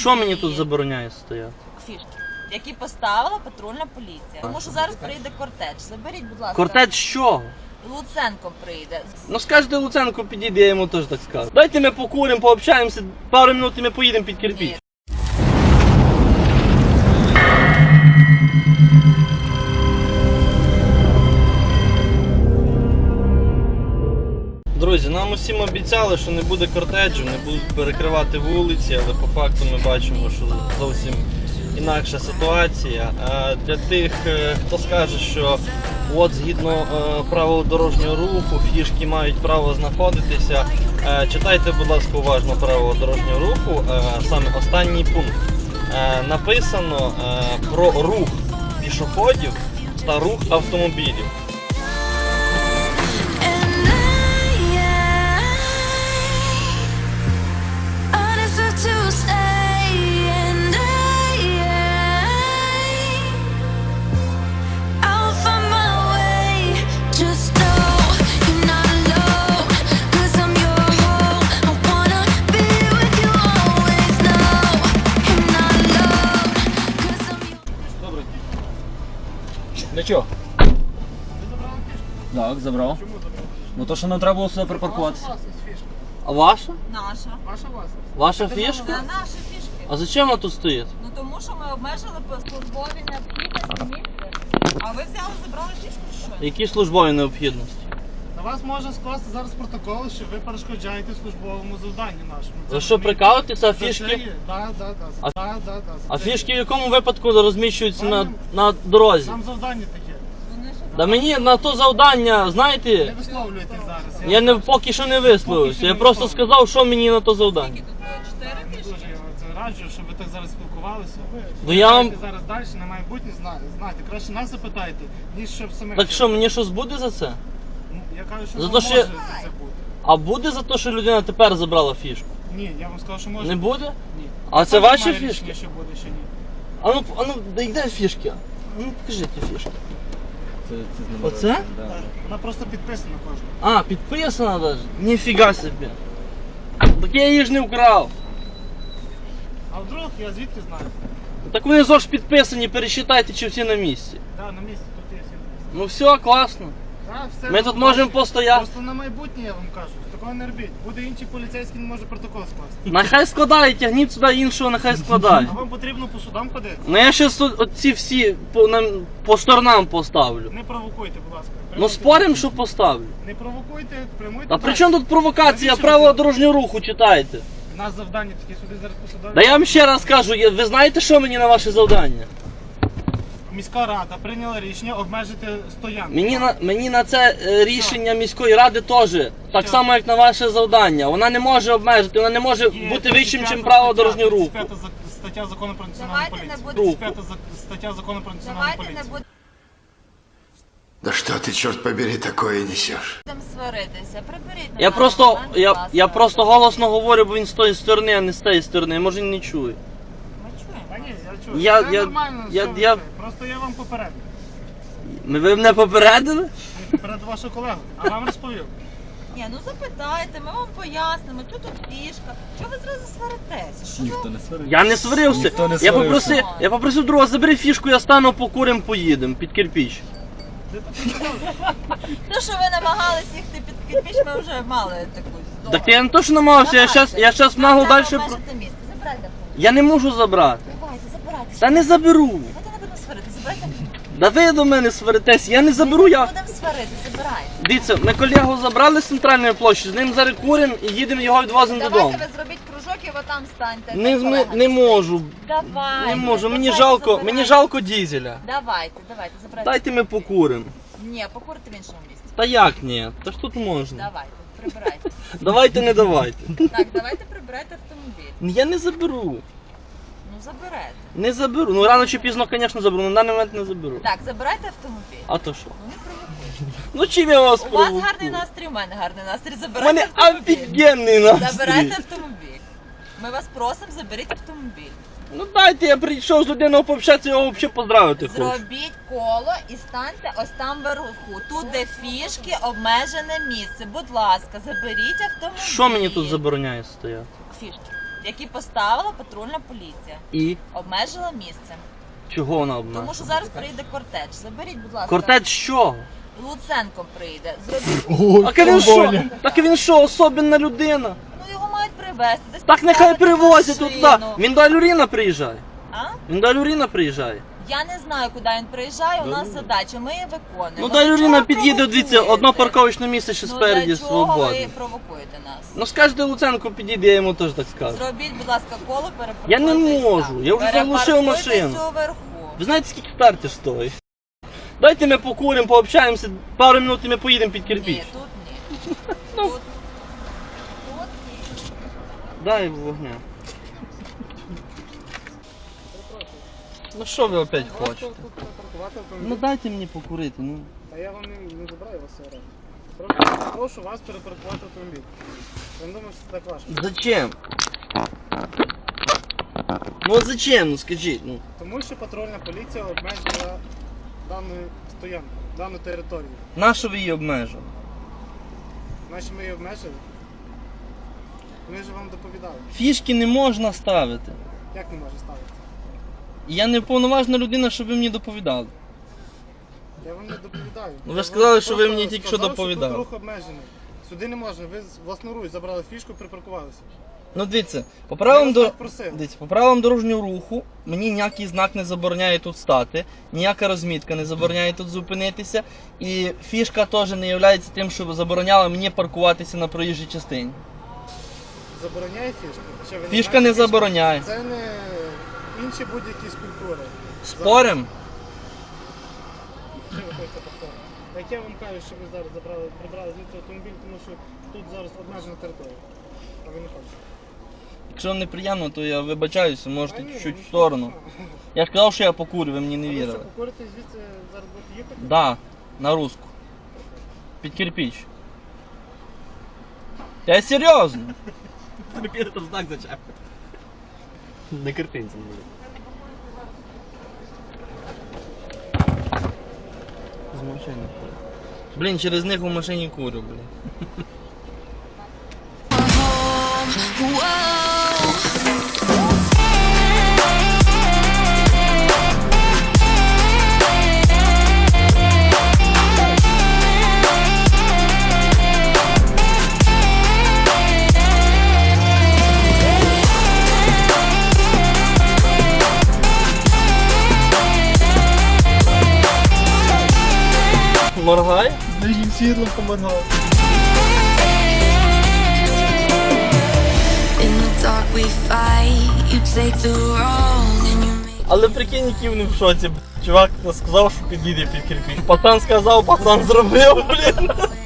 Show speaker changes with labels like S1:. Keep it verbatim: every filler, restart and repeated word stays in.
S1: Що мені тут забороняє стояти?
S2: Фішки, які поставила патрульна поліція. Тому що зараз приїде кортеж. Заберіть, будь ласка.
S1: Кортеж з чого?
S2: Луценко прийде.
S1: Ну скажете, Луценко підійде, я йому теж так скажу. Дайте ми покуримо, пообщаємося, пару минут і ми поїдемо під кирпіч.
S2: Ні.
S1: Друзі, нам усім обіцяли, що не буде кортеджу, не будуть перекривати вулиці, але по факту ми бачимо, що зовсім інакша ситуація. А для тих, хто скаже, що от згідно правил дорожнього руху фішки мають право знаходитися, читайте, будь ласка, уважно правила дорожнього руху, саме останній пункт. Написано про рух пішоходів та рух автомобілів.
S3: Для чого? Так, забрав.
S4: Чому забрав?
S3: Ну то, що нам треба було сюди припаркуватися.
S1: А ваша?
S2: Наша.
S4: Ваша власність?
S1: Ваша
S2: Це
S1: фішка?
S2: наші фішки.
S1: А зачем вона тут стоїть?
S2: Ну тому що ми обмежили по службовій необхідності місце. А ви взяли, забрали фішку чи що?
S1: Які службові необхідності?
S4: На вас може скласти зараз протокол, що ви перешкоджаєте службовому завданню нашому.
S1: Ви що, прикалуєтеся, а фішки?
S4: Так, да, да,
S1: А-
S4: да, да, да.
S1: А фішки в якому випадку розміщуються на, на дорозі?
S4: Нам завдання таке.
S2: Вони що?
S1: Да мені на то завдання,
S4: Не
S1: знаєте,
S4: висловлюєтесь зараз.
S1: я не, поки що не висловився. Я просто сказав, що мені на то завдання.
S2: Скільки тут було? Чотири
S4: Не
S2: фішки?
S4: дуже я вам це раджу, щоб ви так зараз спілкувалися.
S1: Ну, я вам-
S4: Знаєте, зараз далі на майбутнє зна- знаєте. Краще нас запитайте, ніж щоб самих.
S1: Так що, мені щось буде за це?
S4: Ну, я кажу, що
S1: За
S4: вам
S1: то, що
S4: може
S1: я-
S4: за це бути.
S1: А буде за те, що людина тепер забрала фішку?
S4: Ні, я вам сказав, що може.
S1: Не буде?
S4: Ні.
S1: А це
S4: Там
S1: ваші
S4: немає
S1: фішки?
S4: рішення, що буде, що ні.
S1: А ну, а ну, да йде фішки. А ну, покажіть ті фішки.
S3: Це, це
S1: Оце?
S3: Да.
S4: Так, Вона просто підписана кожна.
S1: А, підписана навіть? Ніфіга собі. Так я її ж не вкрав.
S4: А вдруг я звідки знаю?
S1: Так вони зож підписані, пересчитайте, чи всі на місці.
S4: Да, на місці тут є всі.
S1: Ну все, класно.
S4: Да, все
S1: Ми
S4: вам
S1: тут можемо
S4: бачу.
S1: постояти.
S4: Просто на майбутнє я вам кажу, такого не робіть. Буде інший поліцейський, не може протокол скласти.
S1: Нехай складає, тягніть сюди іншого, нехай складає.
S4: А вам потрібно по судам ходити?
S1: Ну я щас тут оці всі по, на, по сторонам поставлю.
S4: Не провокуйте, будь ласка.
S1: Ну
S4: Прямуйте.
S1: спорим, що поставлю.
S4: Не провокуйте, прямуйте.
S1: А при
S4: далі.
S1: чому тут провокація?
S4: Навіщо
S1: Правила
S4: ви-
S1: дорожнього руху читайте.
S4: У нас завдання такі сюди зараз по судам.
S1: Да я вам ще раз кажу, я- ви знаєте, що мені на ваше завдання?
S4: Міська рада прийняла рішення обмежити стоянку.
S1: Мені на, мені на це е, рішення міської ради теж, так
S4: Що?
S1: само як на ваше завдання. Вона не може обмежити, вона не може
S4: Є
S1: бути вищим,
S4: тридцять
S1: ніж
S4: п'ята
S1: право
S4: стаття,
S1: дорожнього руху.
S4: тридцять п'ята за- стаття закону про національну
S2: Давайте
S4: поліцію.
S2: не будемо-
S4: тридцять п'ята за- стаття закону про національну
S2: Давайте не
S4: поліцію.
S5: Да что ты, черт побери, такое несешь?
S2: будемо сваритися. Приберіть на
S1: Я
S2: даний
S1: просто,
S2: момент, будь
S1: я,
S2: ласка.
S1: я просто голосно говорю, бо він з тої сторони, а не з тієї сторони. Може він не чує.
S2: Ми чуємо.
S4: Та ні, я чую.
S1: Я-
S4: Це
S1: я-
S4: нормально,
S1: я-
S4: що ви
S1: я-
S4: це. Просто я вам попередив.
S1: Ви мене попередили?
S4: Перед вашого колегу. А вам розповів.
S2: Ні, ну запитайте, ми вам пояснимо, що тут фішка. Чого ви зразу сваритеся? Що
S3: Ніхто
S2: за-
S3: не сварив.
S1: Я не сварився.
S3: Ніхто не
S1: Я
S3: сварився.
S1: попросив, я попросив друга, забери фішку, я стану, покурим, поїдемо під кирпіч.
S2: То, що ви намагались їхати під кирпіч, ми вже мали таку здобу.
S1: Так я не то, що намагався, я щас, я щас нагло далі. Про...
S2: Місце. Забирайте автомобіль.
S1: Я не можу забрати.
S2: Давайте, забирайте.
S1: Та не заберу.
S2: Давайте не будемо сварити, забирайте автомобіль.
S1: Да ви до мене сваритесь, я не заберу,
S2: Ми
S1: я.
S2: не будемо сварити, забирайте.
S1: Дивіться, ми колегу забрали з центральної площі, з ним зараз куримо і їдемо його відвозимо додому.
S2: Давайте ви зробіть кружок і ви там станьте.
S1: Не,
S2: Та
S1: не,
S2: колега
S1: не
S2: стоїть.
S1: можу.
S2: Давайте.
S1: Не можу, мені
S2: давайте,
S1: жалко,
S2: забирайте.
S1: мені жалко дізеля.
S2: Давайте, давайте, забирайте.
S1: Дайте ми покуримо.
S2: Ні, покурте в іншому місці.
S1: Та як ні? Та ж тут можна.
S2: Давайте, прибирайте.
S1: Давайте, не давайте.
S2: Так, давайте прибирайте автомобіль.
S1: Я не заберу.
S2: Ну заберете.
S1: Не заберу. Ну рано чи пізно, звісно, заберу, але на даний момент не заберу.
S2: Так, забирайте автомобіль.
S1: А то що?
S2: Ну не провокуйте.
S1: Ну чим я вас
S2: У вас
S1: провокую?
S2: гарний настрій, у мене гарний настрій.
S1: У
S2: Забирайте
S1: мене
S2: автомобіль.
S1: офігенний настрій.
S2: Забирайте автомобіль. Ми вас просимо, заберіть автомобіль.
S1: Ну дайте, я прийшов з людиною пообщатися, його взагалі поздравити хочу.
S2: Зробіть коло і станьте ось там вверху. Тут, де фішки, обмежене місце. Будь ласка, заберіть автомобіль.
S1: Що мені тут забороняє стояти?
S2: Фішки, які поставила патрульна поліція.
S1: І
S2: Обмежила місце.
S1: чого вона обмежила?
S2: Тому що зараз прийде кортеж. Заберіть, будь ласка.
S1: Кортеж що?
S2: Луценко прийде. Зробіть.
S1: Так він що? Так він що, особенна людина?
S2: Ну його мають привезти. Десь
S1: Так нехай
S2: поставити
S1: привозять туди.
S2: машину.
S1: Він до Алюріна приїжджає.
S2: А?
S1: Він до Алюріна приїжджає.
S2: Я не знаю, куди він приїжджає, у нас задача, ми її виконуємо.
S1: Ну
S2: Для
S1: до Алюріна
S2: чого
S1: під'їде, дивіться,
S2: провокуєте?
S1: одно парковочне місце ще
S2: Ну
S1: спереді
S2: для чого ви
S1: свободне.
S2: провокуєте нас?
S1: Ну скажете Луценко підійде, я йому теж так скажу.
S2: Зробіть, будь ласка, коло, перепаркуйтесь.
S1: Я не можу, я вже заглушив машину.
S2: Перепаркуйтесь уверху.
S1: Ви знаєте, скільки стартер стоїть? Дайте ми покуримо, пообщаємося, пару минут і ми поїдемо під кирпіч.
S2: Ні, тут ні.
S1: Ну.
S2: Тут, тут ні.
S1: Дай вогня. Ну що ви опять хочете?
S4: Тут припаркувати автомобіль.
S1: Ну дайте мені покурити, ну.
S4: Та я вам не, не забираю вас сьогодні. Прошу, прошу вас перепаркувати автомобіль. Я не думаю, що це так важко.
S1: Зачем? Ну от зачем, ну скажіть, ну.
S4: Тому що патрульна поліція обмежила дану стоянку, дану територію.
S1: Нащо ви її обмежили?
S4: Наші ми її обмежили. Ми ж вам доповідали.
S1: Фішки не можна ставити.
S4: Як не може ставити?
S1: І я не повноважна людина, щоб ви мені доповідали.
S4: Я вам не доповідаю.
S1: Ну, ви
S4: Я
S1: ж сказали,
S4: вам
S1: що ви
S4: просто
S1: мені тільки що
S4: сказав,
S1: доповідали.
S4: Тут рух обмежений. Сюди не можна. Ви з власноруч забрали фішку, припаркувалися.
S1: Ну дивіться, по правилам,
S4: Я
S1: до...
S4: вас так просив.
S1: дивіться, по правилам дорожнього руху мені ніякий знак не забороняє тут стати, ніяка розмітка не забороняє тут зупинитися, і фішка теж не є тим, що забороняла мені паркуватися на проїжджій частині.
S4: Забороняє фішку? Що, ви не
S1: Фішка
S4: знаєте,
S1: не забороняє.
S4: Це не інші будь-які скульптури.
S1: Спорим?
S4: Що ви хочете повторити? Так я вам кажу, що ви зараз забрали, прибрали звідси автомобіль, тому що тут зараз обмежена територія. А ви не хочете.
S1: Якщо вам неприємно, то я вибачаюся, можете
S4: А ні,
S1: чуть-чуть
S4: ну,
S1: в сторону.
S4: що?
S1: Я ж казав, що я покурю, ви мені не
S4: А ви
S1: вірили.
S4: що, покурите звідси зараз будете їхати?
S1: Да, на руску. Під кирпіч. Я серйозно.
S3: Тобі там знак зачепив. Не кирпинцем буде.
S1: З машини. Блін, через них у машині курю, блін. Моргай?
S3: Нижнім світлом поморгав.
S6: In the dark we fight, you take the wrong and you make
S1: Але прикинь, які вони в шоці. Чувак сказав, що підійде під кирпіч. Пацан сказав, пацан зробив, блін.